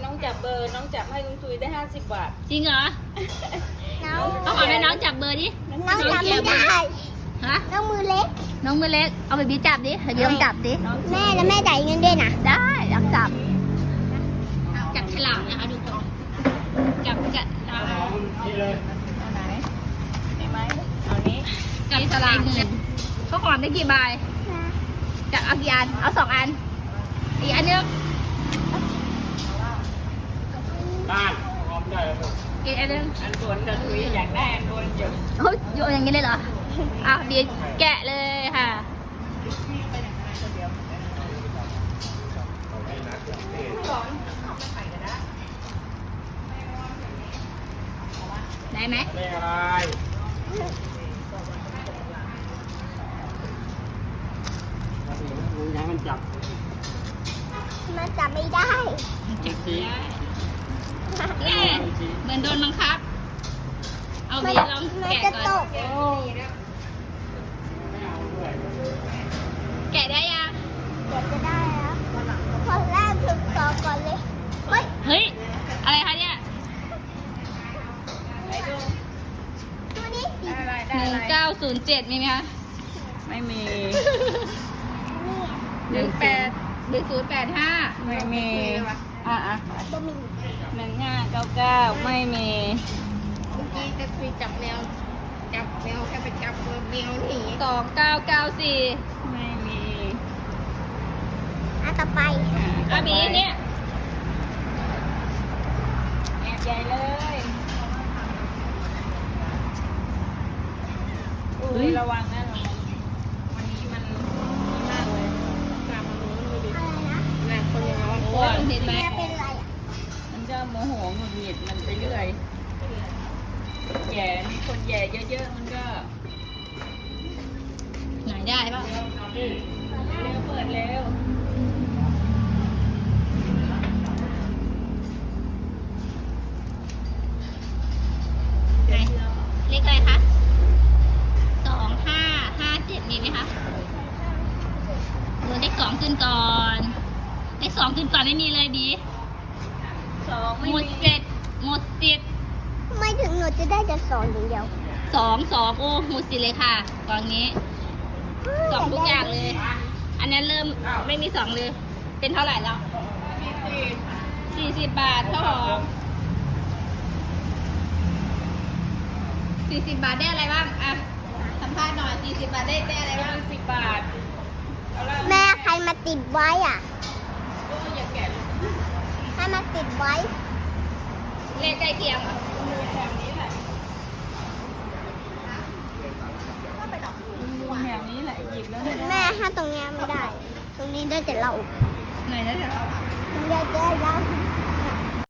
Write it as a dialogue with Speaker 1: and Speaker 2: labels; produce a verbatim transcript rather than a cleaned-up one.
Speaker 1: องจับเบอร์น้องจับให้ลุงตุยได้ห้าสิบบาท
Speaker 2: จริงเหรอ
Speaker 3: น้อง
Speaker 2: เอาหอมให้น้องจับเบอร์ดิ
Speaker 3: น้องจำไม่ได้
Speaker 2: ฮะ
Speaker 3: น้องมือเล็ก
Speaker 2: น้องมือเล็กเอาไปบีจับดิให้บีลองจับดิ
Speaker 3: แม่แล้วแม่จ่ายเงินด้วยนะ
Speaker 2: ได้ลองจับจับฉลากนะคะทุกคนจับฉลาก
Speaker 1: นี่เลยเอาไหนนี่ไหมเอานี้
Speaker 2: จับฉลากเงินเขาหอมได้กี่ใบจับเอากี่อันเอาสองอันอีกอันนึง
Speaker 1: บ้านพร้อมได้แล้ว
Speaker 2: อีกอันนึง
Speaker 1: อันส่วนจะตุยอยากได้อันโดนเยอะ
Speaker 2: เฮ้ยโยนอย่างนี้เลยเหรออ้าวบีแกะเลยค่ะได้ไหม
Speaker 1: เลขอะไรยังมันจับ
Speaker 3: มันจับไม่ได้
Speaker 1: จับสี
Speaker 2: แกะเหมือนโดนบังคับเอาบีลอง
Speaker 3: มัน
Speaker 2: แกะ
Speaker 3: จะ
Speaker 2: ก่
Speaker 3: ต
Speaker 2: อน
Speaker 3: ก
Speaker 2: แกะได้ยัง
Speaker 3: เดี๋ยวจะได้แล้วคนแรกถึงต่อก่อนเลยเฮ้ย
Speaker 2: เฮ้ยอะไรคะเนี่ย
Speaker 3: ตัวนี้สี
Speaker 1: ได้อะไร
Speaker 2: ห
Speaker 1: ได้
Speaker 2: นึ่
Speaker 1: อะ
Speaker 2: ง
Speaker 1: ไร
Speaker 2: เก้าศูนย์เจ็ดมีไหมคะ
Speaker 1: ไม่มี
Speaker 3: นี่
Speaker 2: หนึ่งแปดหนึ่งศูนย์แปดห้า
Speaker 1: ไม่มีอ่ะอ่ะ
Speaker 3: บะหมี่
Speaker 1: หนึ่งห้าเก้าเก้าไม่มี
Speaker 4: เมื่อกี้จะคุยจับแมวจับแมวแค่ไปจับแมวหนี
Speaker 2: สองเก้าเก้าสี่
Speaker 1: ไม่มี
Speaker 3: อ่ะต่อไป
Speaker 2: อาบีเนี่ย
Speaker 1: แอบใหญ่เลยอุ้ยระวังนะระวังวันนี้มันมากเลย
Speaker 4: กลับมาลุ้นดูดิ
Speaker 3: อะไรนะ
Speaker 4: หนักคนร้อน
Speaker 2: โอ้ยเห็นไหม
Speaker 3: แม่เป็นอะไรอ่ะ
Speaker 1: มันจะโมโหหงุดหงิดมันไปเรื่อยแย่มีคนแย่เยอะๆมันก็
Speaker 2: ไหนได้ป่ะ
Speaker 1: เร็วเปิดเร็ว
Speaker 2: ไหนเลขอะไรคะสองห้าห้าเจ็ดมีไหมคะเออเลขสองขึ้นก่อนเลขสองขึ้นก่อนไม่มีเลยบี
Speaker 1: สองไม่
Speaker 2: หมด
Speaker 1: มี
Speaker 2: เจ็ดหมดสิทธิ์
Speaker 3: ทำไมถึงหนูจะได้แต่สองอย่างเดียว
Speaker 2: สองสองโอ้หมดสิทธิ์เลยค่ะกองนี้สองทุกอย่างเลย อันนั้นเริ่มไม่มีสองเลย เป็นเท่าไหร่แล้วสี่สิบบาทเท่าหอมสี่สิบบาทได้อะไรบ้างอ่ะสัมภาษณ์หน่อยสี่สิบบาทได้ได้อะไรบ้าง
Speaker 1: สิบบาทเอาละ
Speaker 3: แม่ใครมาติดไว้อ่ะ
Speaker 1: ก็อย่าแกะเลย
Speaker 3: ใครมาติดไว้
Speaker 2: เลขใกล้เคียงเหรอ
Speaker 1: แบบนี้แหละแบบนี้แหละหยิบแล้วเนี่ย
Speaker 3: แม่ถ้าตรงเนี้ยไม่ได้ ตรงนี้ได้แต่เรา
Speaker 2: ไหนนะเดี๋ยว
Speaker 3: ตรงนี้ได้แต่เรา